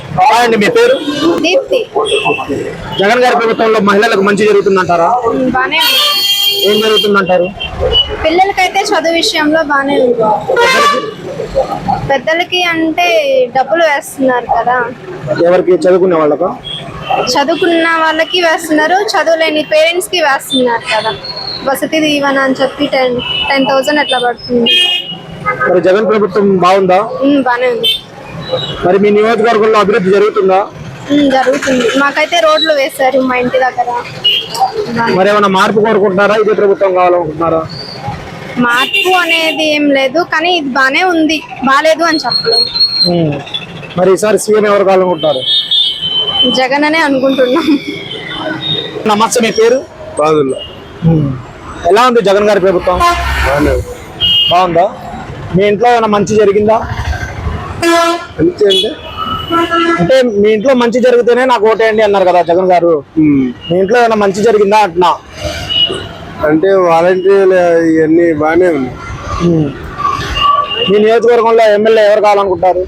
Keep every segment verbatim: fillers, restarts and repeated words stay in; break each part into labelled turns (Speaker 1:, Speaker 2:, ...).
Speaker 1: అండి మీ పేరు?
Speaker 2: దీప్తి.
Speaker 1: జగన్ గారి ప్రభుత్వంలో మహిళలకు మంచి జరుగుతుందంటారా?
Speaker 2: బానే
Speaker 1: ఏం జరుగుతుందంటారు?
Speaker 2: పిల్లలకైతే చదువు విషయంలో బానే ఉంది. పెద్దలకి అంటే డబ్బులు వేస్తున్నారు కదా.
Speaker 1: ఎవరికి? చదువుకునే వాళ్ళకు?
Speaker 2: చదువుకున్న వాళ్ళకి వేస్తున్నారు, చదువులేని పేరెంట్స్ కి వేస్తున్నారు కదా. వసతి దీవెన అని చెప్పి టెన్ టెన్ థౌసండ్ అట్లా పడుతుంది.
Speaker 1: మరి జగన్ ప్రభుత్వం బాగుందా?
Speaker 2: బానే ఉంది.
Speaker 1: మరి మీ నియోజకవర్గంలో అభివృద్ధి జరుగుతుందా?
Speaker 2: జరుగుతుంది. మాకైతే రోడ్లు వేశారు మా ఇంటి దగ్గర.
Speaker 1: మరి ఏమైనా మార్పు కోరుకుంటున్నారా? ఇదే ప్రభుత్వం కావాలనుకుంటున్నారా?
Speaker 2: మార్పు అనేది ఏం లేదు, కానీ ఇది బానే ఉంది, బాలేదు అని చెప్పలేదు.
Speaker 1: మరి ఈసారి సీఎం ఎవరు కావాలనుకుంటున్నారు?
Speaker 2: జగన్ అనే అనుకుంటున్నాం.
Speaker 1: నమస్తే, మీ పేరు?
Speaker 3: బాగుందా?
Speaker 1: ఎలా ఉంది జగన్ గారి ప్రభుత్వం? బాగుందా? మీ ఇంట్లో ఏమైనా మంచి జరిగిందా?
Speaker 3: అంతే అంటే
Speaker 1: అంటే మీ ఇంట్లో మంచి జరిగితేనే నాకు ఓటేయండి అన్నారు కదా జగన్ గారు. మీ ఇంట్లో ఏమైనా మంచి జరిగిందా అంటున్నా?
Speaker 3: అంటే వాలంటీర్లు ఇవన్నీ బాగానే ఉన్నాయి.
Speaker 1: మీ నియోజకవర్గంలో ఎమ్మెల్యే ఎవరు కావాలనుకుంటారు?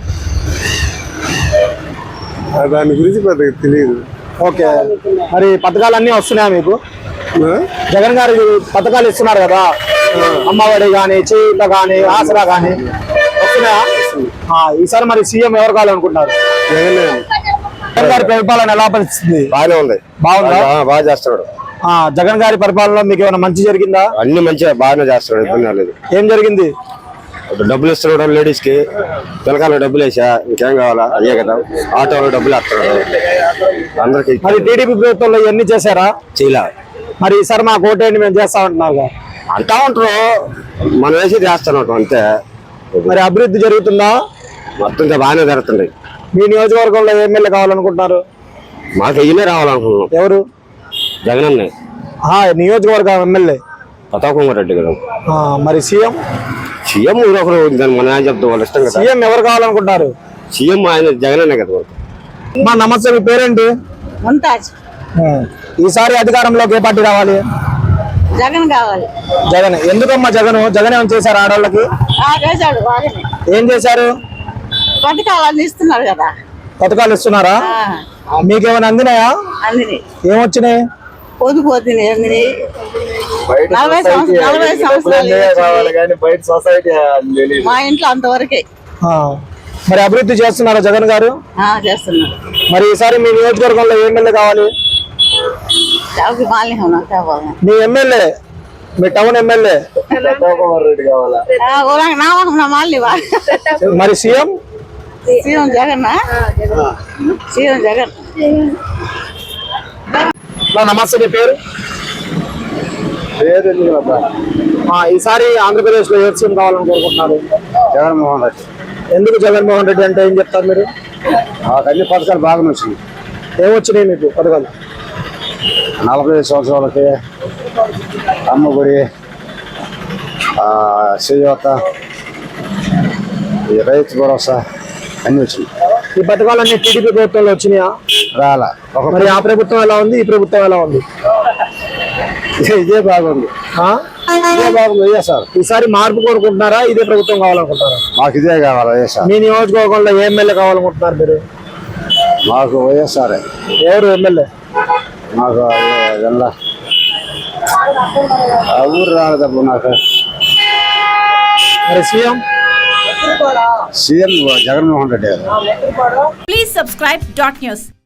Speaker 3: దాని గురించి పెద్దగా తెలియదు.
Speaker 1: ఓకే, మరి పథకాలన్నీ వస్తున్నాయా మీకు? జగన్ గారు పథకాలు ఇస్తున్నారు కదా, అమ్మఒడి కానీ, చేయూత కానీ, ఆసరా కానీ వస్తున్నాయా? ఈసారి మరి సీఎం ఎవరు కావాలనుకుంటున్నారు? జగన్ గారి పరిపాలన ఎలా పరిస్థితుంది?
Speaker 3: బాగానే ఉంది.
Speaker 1: బాగుందా?
Speaker 3: బాగా చేస్తున్నాడు.
Speaker 1: జగన్ గారి పరిపాలనలో మీకు ఏమైనా మంచి జరిగిందా?
Speaker 3: అన్ని మంచిగా బాగానే చేస్తున్నాడు, ఇబ్బంది లేదు.
Speaker 1: ఏం జరిగింది?
Speaker 3: డబ్బులు ఇస్తున్నాడు లేడీస్ కి, పిల్లకాయలు డబ్బులు వేసా, ఇంకేం కావాలా? అదే కదా. ఆటోలో డబ్బులు వేస్తున్నాడు అందరికి.
Speaker 1: మరి టీడీపీ ప్రభుత్వంలో ఇవన్నీ చేశారా?
Speaker 3: చేయలే.
Speaker 1: మరి ఈసారి మా కోటేంటి మేము చేస్తామంటున్నారు
Speaker 3: అంటా ఉంటారు, మనం వేసి చేస్తున్నాం అంతే.
Speaker 1: మరి అభివృద్ధి జరుగుతుందా?
Speaker 3: మొత్తం బాగానే జరుగుతుంది.
Speaker 1: మీ నియోజకవర్గంలో ఎమ్మెల్యే కావాలనుకుంటున్నారు?
Speaker 3: మాకు ఇయ్యనే రావాలనుకుంటున్నాం.
Speaker 1: ఎవరు?
Speaker 3: జగన్ అన్న
Speaker 1: నియోజకవర్గం ఎమ్మెల్యే
Speaker 3: ప్రతాప్ కుమార్ రెడ్డి గారు.
Speaker 1: మరి సీఎం?
Speaker 3: సీఎం ఒకరు దాన్ని మనం ఏం చెప్తాం, వాళ్ళు ఇష్టం కదా.
Speaker 1: సీఎం ఎవరు కావాలనుకుంటారు?
Speaker 3: సీఎం ఆయన జగన్ అనే కదా.
Speaker 1: మా నమస్తే, మీ పేరేంటి?
Speaker 4: ముంతాజ్.
Speaker 1: ఈసారి అధికారంలోకి ఏ పార్టీ రావాలి?
Speaker 4: జగన్ కావాలి.
Speaker 1: జగన్. ఎందుకమ్మా జగన్? జగన్ ఏం చేశారు ఆడవాళ్ళకి? ఏం చేశారు?
Speaker 4: పథకాలు ఇస్తున్నారు కదా.
Speaker 1: పథకాలు ఇస్తున్నారా? మీకేమైనా అందినాయా?
Speaker 4: అందిని.
Speaker 1: ఏమొచ్చినాయి?
Speaker 4: పొదుపు వద్దని అందిని. నలభై నలభై సంవత్సరాలు మా ఇంట్లో అంతవరకే.
Speaker 1: మరి అభివృద్ధి చేస్తున్నారా జగన్ గారు?
Speaker 4: చేస్తున్నారు.
Speaker 1: మరి ఈసారి మీ నియోజకవర్గంలో ఎమ్మెల్యే కావాలి? మీ ఎమ్మెల్యే, మీ టౌన్ ఎమ్మెల్యే
Speaker 3: రెడ్డి కావాలా?
Speaker 1: మరి CM?
Speaker 4: CM Jagan. CM Jagan.
Speaker 1: నమస్తే, మీ పేరు? ఈసారి ఆంధ్రప్రదేశ్ లో ఏ సీఎం కావాలని కోరుకుంటున్నారు?
Speaker 3: జగన్మోహన్ రెడ్డి.
Speaker 1: ఎందుకు జగన్మోహన్ రెడ్డి అంటే ఏం చెప్తారు మీరు?
Speaker 3: అన్ని పథకాలు బాగా వచ్చినాయి.
Speaker 1: ఏమొచ్చినాయి మీకు పథకాలు?
Speaker 3: నలభై సంవత్సరాలకి అమ్మగుడి, చేయూత, రైతు భరోసా అన్ని వచ్చినాయి.
Speaker 1: ఈ పథకాలన్నీ టీడీపీ ప్రభుత్వంలో వచ్చినాయా?
Speaker 3: రాలా.
Speaker 1: మరి ఆ ప్రభుత్వం ఎలా ఉంది, ఈ ప్రభుత్వం ఎలా ఉంది?
Speaker 3: ఇదే బాగుంది. ఇదే బాగుంది. అయ్యా సార్,
Speaker 1: ఈసారి మార్పు కోరుకుంటున్నారా, ఇదే ప్రభుత్వం కావాలనుకుంటున్నారా?
Speaker 3: మాకు ఇదే కావాలి. అయ్యా సార్.
Speaker 1: మీ నియోజకవర్గంలో ఏ ఎమ్మెల్యే కావాలనుకుంటున్నారు మీరు?
Speaker 3: మాకు వైఎస్ఆర్.
Speaker 1: ఎవరు ఎమ్మెల్యే?
Speaker 3: మాకు ఊరు రాలేదప్పుడు నాకు.
Speaker 1: మరి సీఎం?
Speaker 3: సీఎం జగన్మోహన్ రెడ్డి గారు.
Speaker 5: Please subscribe dot news.